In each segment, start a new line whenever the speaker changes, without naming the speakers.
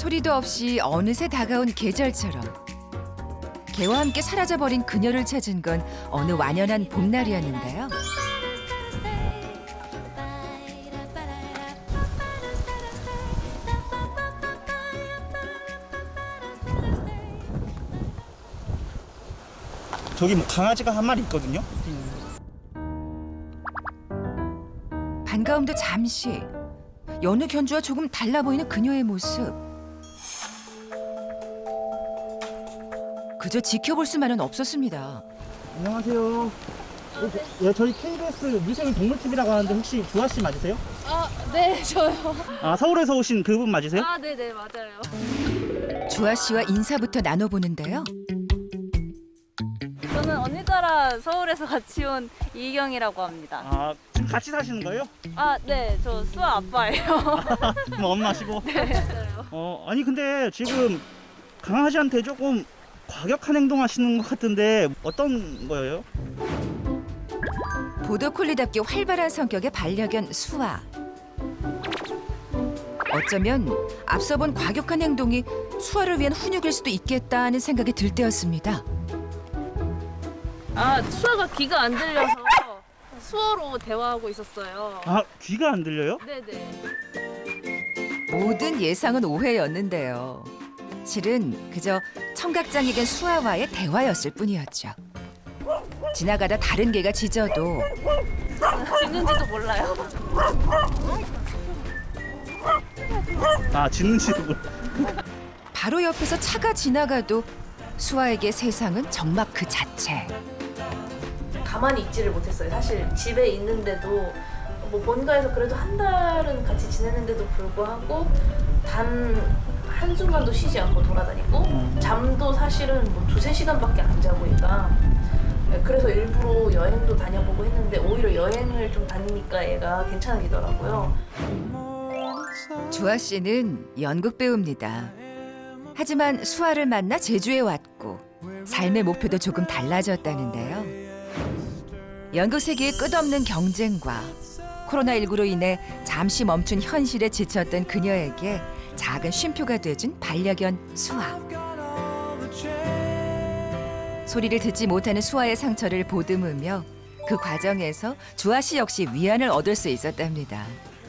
소리도 없이 어느새 다가온 계절처럼 개와 함께 사라져버린 그녀를 찾은 건 어느 완연한 봄날이었는데요.
저기 뭐 강아지가 한 마리 있거든요.
반가움도 잠시. 여느 견주와 조금 달라 보이는 그녀의 모습. 그저 지켜볼 수만은 없었습니다.
안녕하세요. 예, 저희 KBS 미생물 동물TV라고 하는데 혹시 주아 씨 맞으세요?
아, 네, 저요.
아, 서울에서 오신 그분 맞으세요?
아, 네네, 맞아요.
주아 씨와 인사부터 나눠보는데요.
저는 언니 따라 서울에서 같이 온 이희경이라고 합니다.
아, 지금 같이 사시는 거예요?
아, 네, 저 수아 아빠예요.
그럼 엄마시고.
네, 맞아요.
아니 근데 지금 강아지한테 조금 과격한 행동 하시는 것 같은데 어떤 거예요?
보더콜리답게 활발한 성격의 반려견 수아. 어쩌면 앞서 본 과격한 행동이 수아를 위한 훈육일 수도 있겠다는 생각이 들 때였습니다.
아, 수아가 귀가 안 들려서 수어로 대화하고 있었어요.
아, 귀가 안 들려요?
네네.
모든 예상은 오해였는데요. 실은 그저 청각장애견 수아와의 대화였을 뿐이었죠. 지나가다 다른 개가 짖어도
짖는지도 몰라요.
아, 짖는지도 몰라.
바로 옆에서 차가 지나가도 수아에게 세상은 정막 그 자체.
가만히 있지를 못했어요. 사실 집에 있는데도 뭐 본가에서 그래도 한 달은 같이 지냈는데도 불구하고 단 한순간도 쉬지 않고 돌아다니고 잠도 사실은 뭐 2-3시간밖에 안 자고 얘가. 그래서 일부러 여행도 다녀보고 했는데 오히려 여행을 좀 다니니까 얘가 괜찮아지더라고요.
주아 씨는 연극 배우입니다. 하지만 수아를 만나 제주에 왔고 삶의 목표도 조금 달라졌다는데요. 연극 세계의 끝없는 경쟁과 코로나19로 인해 잠시 멈춘 현실에 지쳤던 그녀에게 작은 쉼표가 돼준 반려견 수아. 소리를 듣지 못하는 수아의 상처를 보듬으며 그 과정에서 주아 씨 역시 위안을 얻을 수 있었답니다.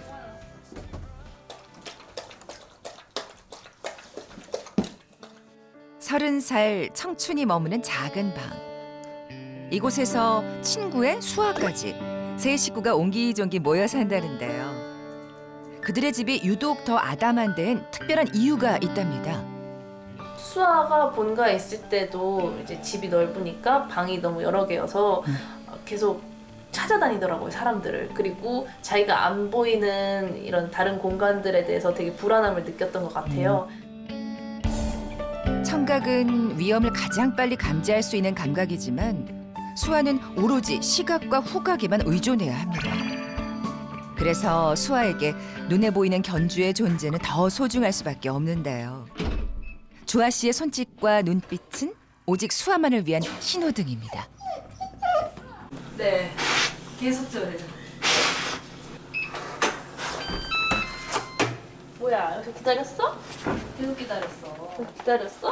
서른 살 청춘이 머무는 작은 방. 이곳에서 친구의 수아까지 세 식구가 옹기종기 모여 산다는데요. 그들의 집이 유독 더 아담한 데엔 특별한 이유가 있답니다.
수아가 본가에 있을 때도 이제 집이 넓으니까 방이 너무 여러 개여서 계속 찾아다니더라고요, 사람들을. 그리고 자기가 안 보이는 이런 다른 공간들에 대해서 되게 불안함을 느꼈던 것 같아요.
청각은 위험을 가장 빨리 감지할 수 있는 감각이지만 수아는 오로지 시각과 후각에만 의존해야 합니다. 그래서 수아에게 눈에 보이는 견주의 존재는 더 소중할 수밖에 없는데요. 주아 씨의 손짓과 눈빛은 오직 수아만을 위한 신호등입니다.
네, 계속 저래요. 뭐야, 여기서 기다렸어? 계속 기다렸어. 기다렸어?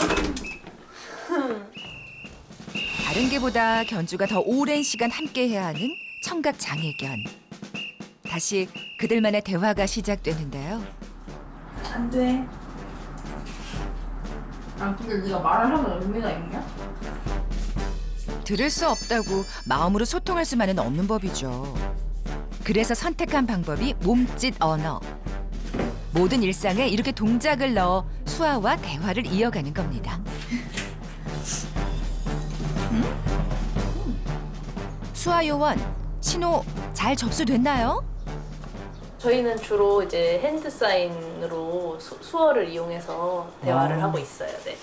다른 개보다 견주가 더 오랜 시간 함께해야 하는 청각 장애견. 다시 그들만의 대화가 시작되는데요.
안 돼. 아, 근데 네가 말을 하면 의미가 있냐?
들을 수 없다고 마음으로 소통할 수만은 없는 법이죠. 그래서 선택한 방법이 몸짓 언어. 모든 일상에 이렇게 동작을 넣어 수아와 대화를 이어가는 겁니다. 수아 요원, 신호 잘 접수됐나요?
저희는 주로 이제 핸드 사인으로 수어를 이용해서 대화를 하고 있어요. 네.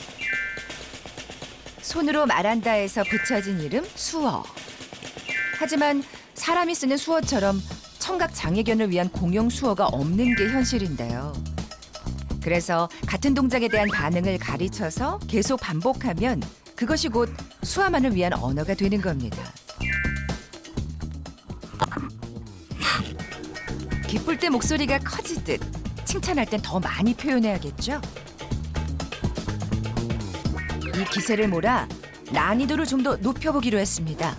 손으로 말한다에서 붙여진 이름 수어. 하지만 사람이 쓰는 수어처럼 청각 장애견을 위한 공용 수어가 없는 게 현실인데요. 그래서 같은 동작에 대한 반응을 가르쳐서 계속 반복하면 그것이 곧 수아만을 위한 언어가 되는 겁니다. 기쁠 때 목소리가 커지듯 칭찬할 땐 더 많이 표현해야겠죠? 이 기세를 몰아 난이도를 좀 더 높여보기로 했습니다.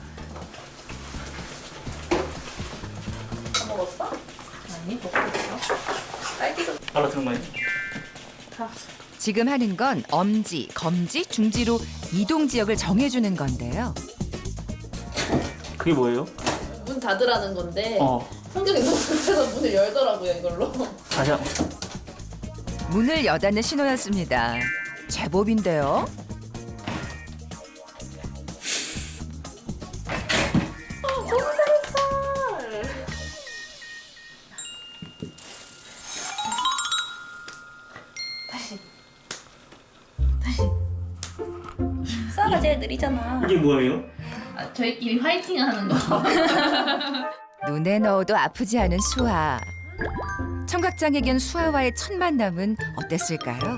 다 먹었어? 아니, 먹고 있어. 딸기도
알아들은 거예요?
다.
지금 하는 건 엄지, 검지, 중지로 이동 지역을 정해주는 건데요.
그게 뭐예요?
문 닫으라는 건데
어.
성경이 너무 급해서 문을 열더라고요, 이걸로.
다시 한
문을 여닫는 신호였습니다. 제법인데요.
다시. 수아가 제일 느리잖아.
이게 뭐예요?
아, 저희끼리 화이팅 하는 거.
눈에 넣어도 아프지 않은 수아. 청각장애견 수아와의 첫 만남은 어땠을까요?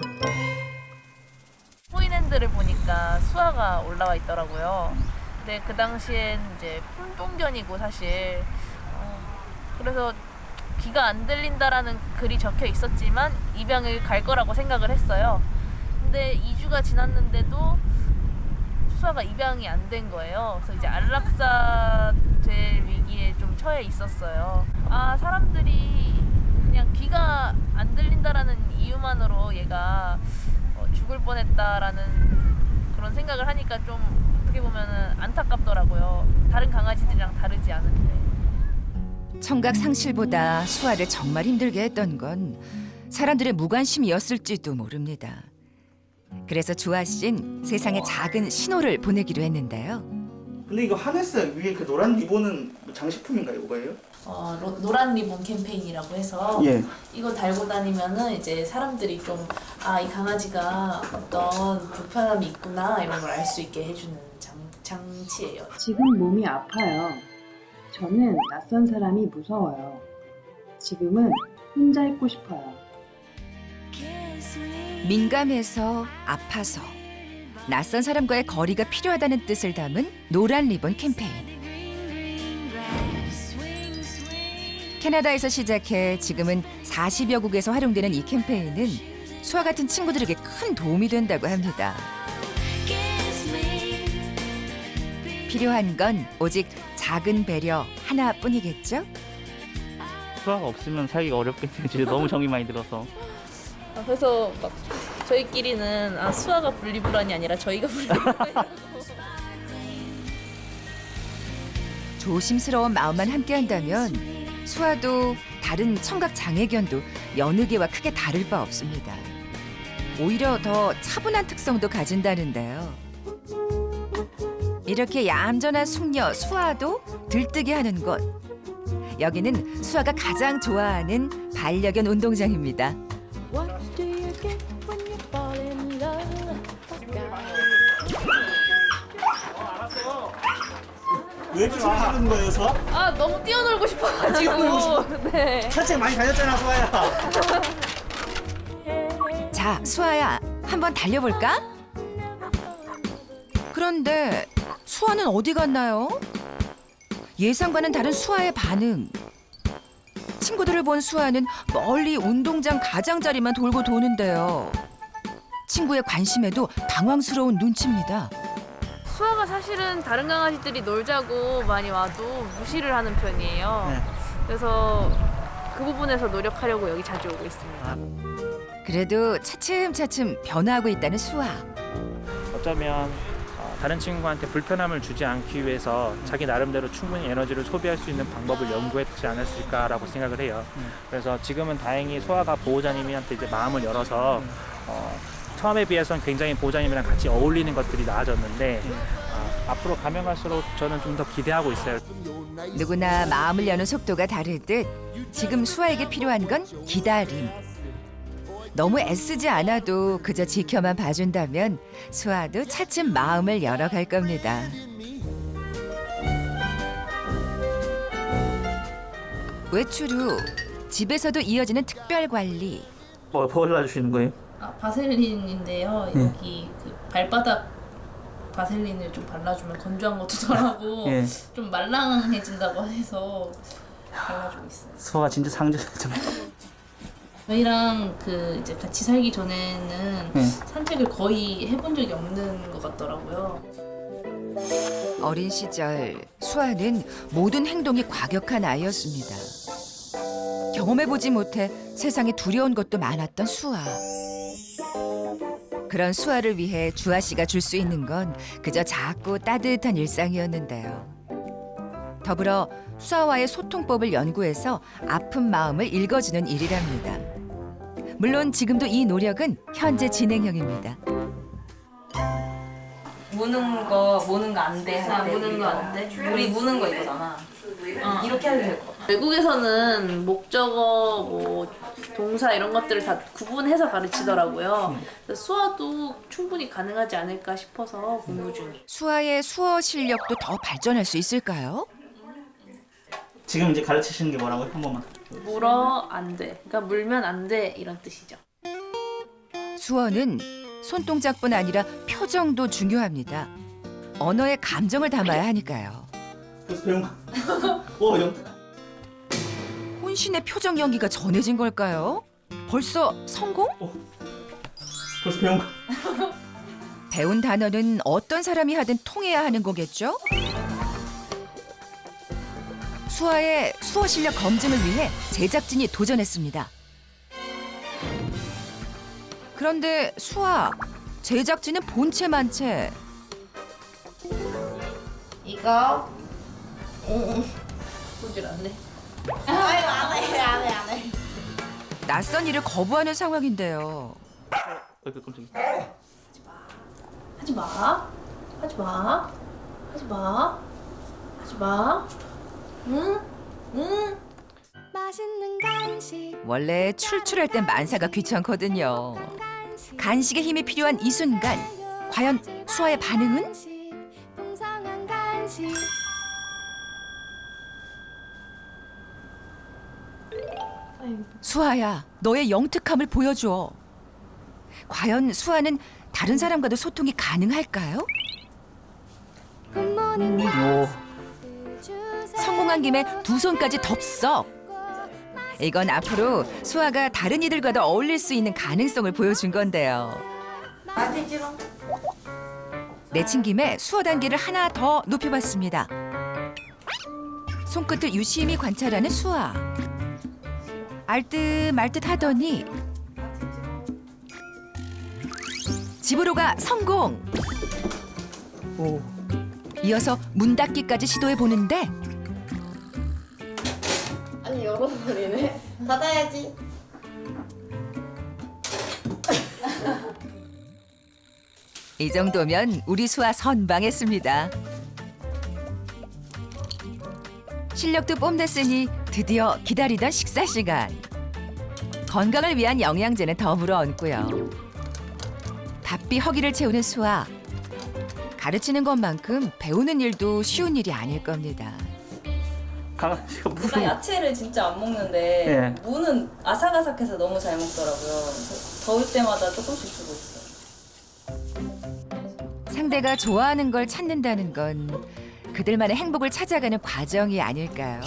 포인핸드를 보니까 수아가 올라와 있더라고요. 근데 그 당시엔 이제 품종견이고 사실 그래서 귀가 안 들린다라는 글이 적혀 있었지만 입양을 갈 거라고 생각을 했어요. 근데 2주가 지났는데도 수아가 입양이 안 된 거예요. 그래서 이제 안락사 될 위기에 좀 처해 있었어요. 아, 사람들이 그냥 귀가 안 들린다라는 이유만으로 얘가 죽을 뻔했다라는 그런 생각을 하니까 좀 어떻게 보면은 안타깝더라고요. 다른 강아지들이랑 다르지 않은데.
청각 상실보다 수아를 정말 힘들게 했던 건 사람들의 무관심이었을지도 모릅니다. 그래서 주아 씨는 세상에 작은 신호를 보내기로 했는데요.
근데 이거 하네스 위에 그 노란 리본은 장식품인가요? 뭐예요?
노란 리본 캠페인이라고 해서
예.
이거 달고 다니면은 이제 사람들이 좀 이 강아지가 어떤 불편함이 있구나 이런 걸 알 수 있게 해주는 장치예요.
지금 몸이 아파요. 저는 낯선 사람이 무서워요. 지금은 혼자 있고 싶어요.
민감해서 아파서 낯선 사람과의 거리가 필요하다는 뜻을 담은 노란 리본 캠페인. 캐나다에서 시작해 지금은 40여 국에서 활용되는 이 캠페인은 수아 같은 친구들에게 큰 도움이 된다고 합니다. 필요한 건 오직 작은 배려 하나뿐이겠죠?
수아가 없으면 살기가 어렵겠네요. 진짜 너무 정이 많이 들어서.
그래서 막 저희끼리는 수아가 분리불안이 아니라 저희가 분리불안이라고.
조심스러운 마음만 함께한다면 수아도 다른 청각 장애견도 여느 개와 크게 다를 바 없습니다. 오히려 더 차분한 특성도 가진다는데요. 이렇게 얌전한 숙녀 수아도 들뜨게 하는 곳. 여기는 수아가 가장 좋아하는 반려견 운동장입니다.
왜 이렇게 하는 거예요, 수아?
너무 뛰어놀고 싶어가지고. 네.
산책 많이 다녔잖아, 수아야.
자, 수아야, 한번 달려볼까? 그런데 수아는 어디 갔나요? 예상과는 다른 수아의 반응. 친구들을 본 수아는 멀리 운동장 가장자리만 돌고 도는데요. 친구의 관심에도 당황스러운 눈치입니다.
수아가 사실은 다른 강아지들이 놀자고 많이 와도 무시를 하는 편이에요.
네.
그래서 그 부분에서 노력하려고 여기 자주 오고 있습니다.
그래도 차츰차츰 변화하고 있다는 수아.
어쩌면 다른 친구한테 불편함을 주지 않기 위해서 자기 나름대로 충분히 에너지를 소비할 수 있는 방법을 연구했지 않았을까라고 생각을 해요. 그래서 지금은 다행히 소아가 보호자님한테 이제 마음을 열어서 처음에 비해서는 굉장히 보호자님이랑 같이 어울리는 것들이 나아졌는데 앞으로 가면 갈수록 저는 좀 더 기대하고 있어요.
누구나 마음을 여는 속도가 다르듯 지금 수아에게 필요한 건 기다림. 너무 애쓰지 않아도 그저 지켜만 봐준다면 수아도 차츰 마음을 열어갈 겁니다. 외출 후 집에서도 이어지는 특별 관리.
뭐 발라주시는 거예요?
바셀린인데요. 여기 그 발바닥 바셀린을 좀 발라주면 건조한 것도 덜하고
예.
좀 말랑해진다고 해서 발라주고 있어요.
수아가 진짜 상징이잖아.
저희랑 그 이제 같이 살기 전에는
네.
산책을 거의 해본 적이 없는 것 같더라고요.
어린 시절 수아는 모든 행동이 과격한 아이였습니다. 경험해보지 못해 세상에 두려운 것도 많았던 수아. 그런 수아를 위해 주아 씨가 줄 수 있는 건 그저 작고 따뜻한 일상이었는데요. 더불어 수아와의 소통법을 연구해서 아픈 마음을 읽어주는 일이랍니다. 물론 지금도 이 노력은 현재 진행형입니다.
무는 거 안 돼.
아, 무는 거 안 돼?
우리 무는 거 이거잖아. 이렇게 해도 될 것 같아.
외국에서는 목적어, 뭐 동사 이런 것들을 다 구분해서 가르치더라고요. 그래서 수어도 충분히 가능하지 않을까 싶어서 공부 중이에요.
수아의 수어 실력도 더 발전할 수 있을까요?
지금 이제 가르치시는 게 뭐라고요? 한 번만.
물어 안 돼. 그러니까 물면 안 돼 이런 뜻이죠.
수어는 손동작뿐 아니라 표정도 중요합니다. 언어에 감정을 담아야 하니까요.
벌써 배운 거. 오, 영특.
혼신의 표정 연기가 전해진 걸까요? 벌써 성공?
벌써 배운 거.
배운 단어는 어떤 사람이 하든 통해야 하는 거겠죠? 수아의 수어 실력 검증을 위해 제작진이 도전했습니다. 그런데 수아, 제작진은 본체만 채.
이거
보질 않네.
안 해.
낯선 일을 거부하는 상황인데요.
깜짝이야.
하지 마. 하지 마. 하지 마. 하지 마. 응? 응?
맛있는 간식
원래 출출할 땐 만사가 귀찮거든요. 간식의 힘이 필요한 이 순간, 과연 수아의 반응은?
풍성한 간식
수아야, 너의 영특함을 보여줘. 과연 수아는 다른 사람과도 소통이 가능할까요?
굿모닝
오.
성공한 김에 두 손까지 덥석. 이건 앞으로 수아가 다른 이들과도 어울릴 수 있는 가능성을 보여준 건데요.
맛있지롱.
내친 김에 수어 단계를 하나 더 높여봤습니다. 손끝을 유심히 관찰하는 수아. 알듯 말듯 하더니 집으로 가 성공!
오.
이어서 문 닫기까지 시도해 보는데
아니 열어버리네. 닫아야지.
이 정도면 우리 수아 선방했습니다. 실력도 뽐냈으니 드디어 기다리던 식사 시간. 건강을 위한 영양제는 덤으로 얹고요. 바삐 허기를 채우는 수아. 가르치는 것만큼 배우는 일도 쉬운 일이 아닐 겁니다.
강아지가
나
무슨.
야채를 진짜 안 먹는데
예.
무는 아삭아삭해서 너무 잘 먹더라고요. 그래서 더울 때마다 조금씩 주고 있어요.
상대가 좋아하는 걸 찾는다는 건 그들만의 행복을 찾아가는 과정이 아닐까요?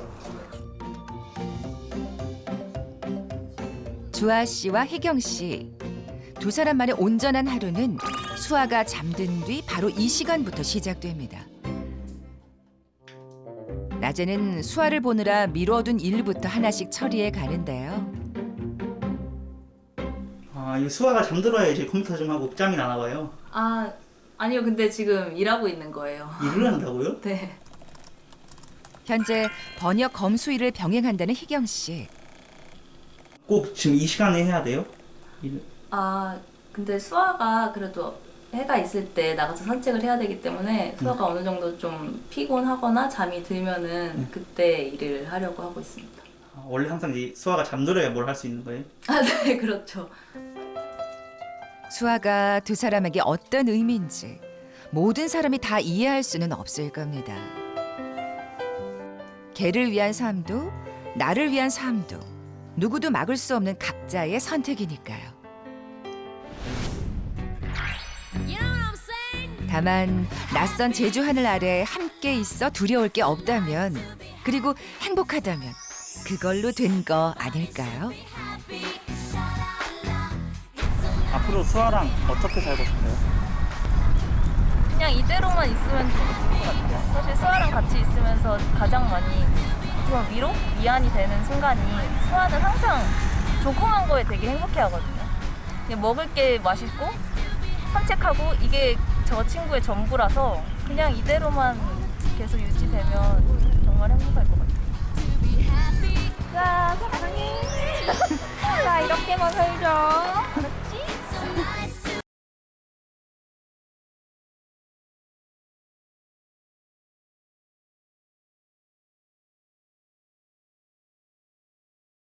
주아 씨와 혜경 씨. 두 사람만의 온전한 하루는 수아가 잠든 뒤 바로 이 시간부터 시작됩니다. 낮에는 수아를 보느라 미뤄둔 일부터 하나씩 처리해 가는데요.
아, 이 수아가 잠들어야 이제 컴퓨터 좀 하고 짬이 나나 봐요.
아니요, 근데 지금 일하고 있는 거예요.
일을 한다고요?
네.
현재 번역 검수일을 병행한다는 혜경 씨.
꼭 지금 이 시간에 해야 돼요? 일을?
근데 수아가 그래도 해가 있을 때 나가서 산책을 해야 되기 때문에 수아가 어느 정도 좀 피곤하거나 잠이 들면은 그때 일을 하려고 하고 있습니다.
아, 원래 항상 이 수아가 잠들어야 뭘 할 수 있는 거예요?
네, 그렇죠.
수아가 두 사람에게 어떤 의미인지 모든 사람이 다 이해할 수는 없을 겁니다. 걔를 위한 삶도 나를 위한 삶도 누구도 막을 수 없는 각자의 선택이니까요. 다만 낯선 제주 하늘 아래 함께 있어 두려울 게 없다면, 그리고 행복하다면 그걸로 된 거 아닐까요?
앞으로 수아랑 어떻게 살고 싶어요?
그냥 이대로만 있으면 좋을 것 같아요. 사실 수아랑 같이 있으면서 가장 많이 좀 위안이 되는 순간이 수아는 항상 조그만 거에 되게 행복해하거든요. 그냥 먹을 게 맛있고 산책하고 이게 저 친구의 전부라서 그냥 이대로만 계속 유지되면 정말 행복할 것 같아요.
자, 사랑해. 자, 이렇게만 살자.